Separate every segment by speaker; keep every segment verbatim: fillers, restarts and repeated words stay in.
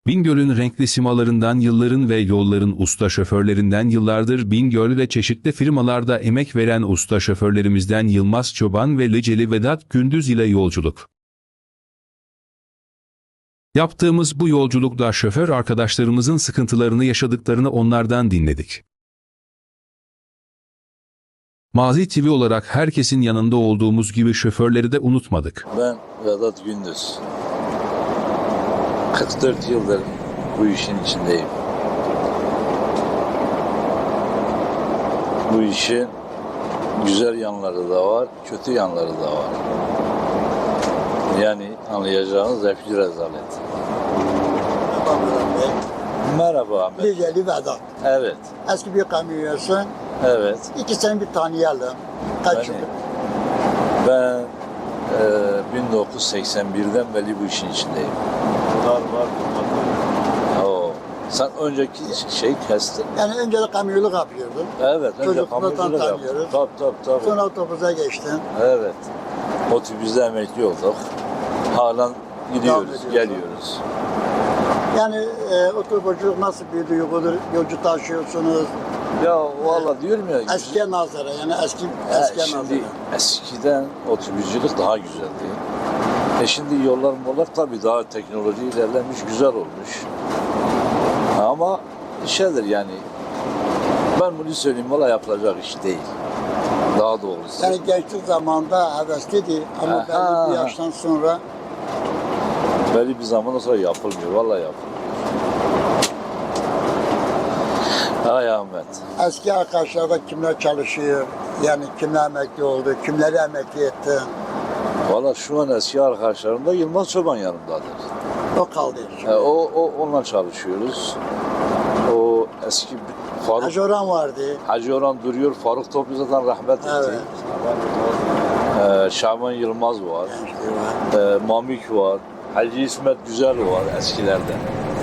Speaker 1: Bingöl'ün renkli simalarından yılların ve yolların usta şoförlerinden yıllardır Bingöl ve çeşitli firmalarda emek veren usta şoförlerimizden Yılmaz Çoban ve Liceli Vedat Gündüz ile yolculuk. Yaptığımız bu yolculukta şoför arkadaşlarımızın sıkıntılarını yaşadıklarını onlardan dinledik. Mazi T V olarak herkesin yanında olduğumuz gibi şoförleri de unutmadık.
Speaker 2: Ben Vedat Gündüz. kırk dört yıldır bu işin içindeyim. Bu işin güzel yanları da var, kötü yanları da var. Yani anlayacağınız hepsi rezalet. Merhaba Ahmet.
Speaker 3: Liceli Vedat.
Speaker 2: Evet,
Speaker 3: Eski bir kamyoncusun.
Speaker 2: evet.
Speaker 3: İki seni bir tanıyalım. Kaç
Speaker 2: Beni-
Speaker 3: yıldır?
Speaker 2: Ben e, bin dokuz yüz seksen birden beri bu işin içindeyim.
Speaker 4: Var var.
Speaker 2: Oo. Sen önceki şey kestin.
Speaker 3: Yani önce de kamyonculuk yapıyordun.
Speaker 2: Evet, önce
Speaker 3: Çocukluğundan
Speaker 2: kamyonculuk yaptım.
Speaker 3: tanıyoruz.
Speaker 2: Tabii tabii tabii.
Speaker 3: Sonra otobüse geçtin.
Speaker 2: Evet. Otobüste emekli olduk. Halen gidiyoruz,
Speaker 3: ediyorsun.
Speaker 2: geliyoruz.
Speaker 3: Yani e, otobüsçülük nasıl bir duygudur? Yolcu taşıyorsunuz.
Speaker 2: Ya valla diyorum ya.
Speaker 3: Eskiye nazara yani eski
Speaker 2: e,
Speaker 3: eskiye
Speaker 2: şimdi
Speaker 3: nazara.
Speaker 2: eskiden otobüsçülük daha güzeldi. E şimdi yollar mollar tabii daha teknoloji ilerlemiş, güzel olmuş. Ama şeydir yani. Ben bunu söyleyeyim, valla yapılacak iş değil. Daha doğrusu.
Speaker 3: Yani gençlik zamanında hevesliydi ama
Speaker 2: Aha.
Speaker 3: belli bir yaştan sonra
Speaker 2: Belli bir zaman sonra yapılmıyor, valla yapılmıyor. Ay Ahmet.
Speaker 3: eski arkadaşlarda kimler çalışıyor? Yani kimler emekli oldu? Kimleri emekli ettin?
Speaker 2: Valla şu an eski arkadaşlarım da Yılmaz Çoban yanımdadır.
Speaker 3: O kaldı.
Speaker 2: E, o, o onunla çalışıyoruz. O eski Faruk
Speaker 3: Hacı Orhan vardı.
Speaker 2: Hacı Orhan duruyor. Faruk Toplu zaten rahmet etti.
Speaker 3: Evet.
Speaker 2: E, Şaban Yılmaz var.
Speaker 3: Gençliği var.
Speaker 2: E, Mamik var. Hacı İsmet Güzel var eskilerden.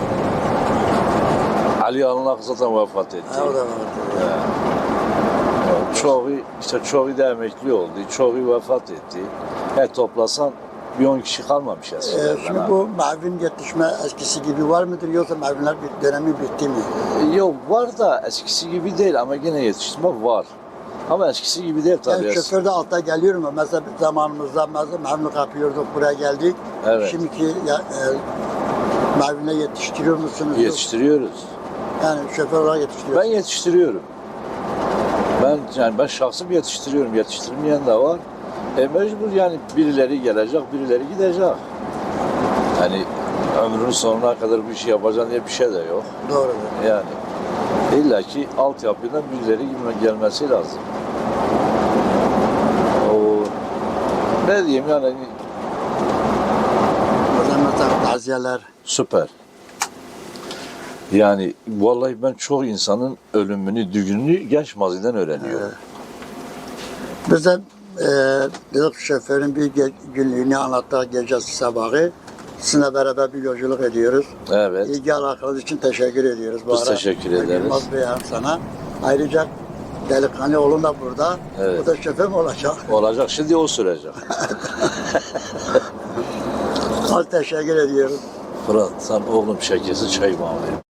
Speaker 2: Ali Alınak zaten vefat etti.
Speaker 3: Ha, o da vardı.
Speaker 2: E, çoğu işte çoğu da emekli oldu. Çoğu vefat etti. He toplasan bir on kişi kalmamış
Speaker 3: Ee,
Speaker 2: eskilerden.
Speaker 3: şimdi
Speaker 2: ha.
Speaker 3: bu mavin yetişme eskisi gibi var mıdır yoksa mavinler bir dönemi bitti mi?
Speaker 2: Yok var da eskisi gibi değil ama yine yetiştirme var. Ama eskisi gibi değil tabii.
Speaker 3: Yani şoför de altta geliyor mu? Mesela bir zamanımızda mesela mavinlik yapıyorduk, buraya geldik.
Speaker 2: Evet.
Speaker 3: Şimdiki ya, e, mavinle yetiştiriyor musunuz?
Speaker 2: Yetiştiriyoruz.
Speaker 3: Yani şoför olarak
Speaker 2: Ben
Speaker 3: yetiştiriyorsunuz.
Speaker 2: yetiştiriyorum. Ben yani ben şahsım yetiştiriyorum. Yetiştirmeyen de var. E mecbur yani birileri gelecek, birileri gidecek. Yani ömrünün sonuna kadar bir şey yapacaksın diye bir şey de yok.
Speaker 3: Doğru.
Speaker 2: Yani illa ki altyapıdan birileri gibi gelmesi lazım. O ne diyeyim yani
Speaker 3: O zaman mesela taziyeler.
Speaker 2: süper. Yani vallahi ben çok insanın ölümünü, düğününü genç maziden öğreniyorum.
Speaker 3: Bize e, dedik şoförün bir ge- günlüğünü anlattı gecesi sabahı. Sizinle beraber bir yolculuk ediyoruz.
Speaker 2: Evet.
Speaker 3: İlgi alakanız için teşekkür ediyoruz. Bu
Speaker 2: Biz
Speaker 3: ara.
Speaker 2: teşekkür ederiz.
Speaker 3: Yılmaz Bey hem sana. Ayrıca delikanlı oğlum da burada.
Speaker 2: Evet.
Speaker 3: Bu da şoför mü olacak?
Speaker 2: Olacak. Şimdi o sürecek.
Speaker 3: Az teşekkür ediyoruz.
Speaker 2: Fırat sen oğlum şekesi çay mı alayım?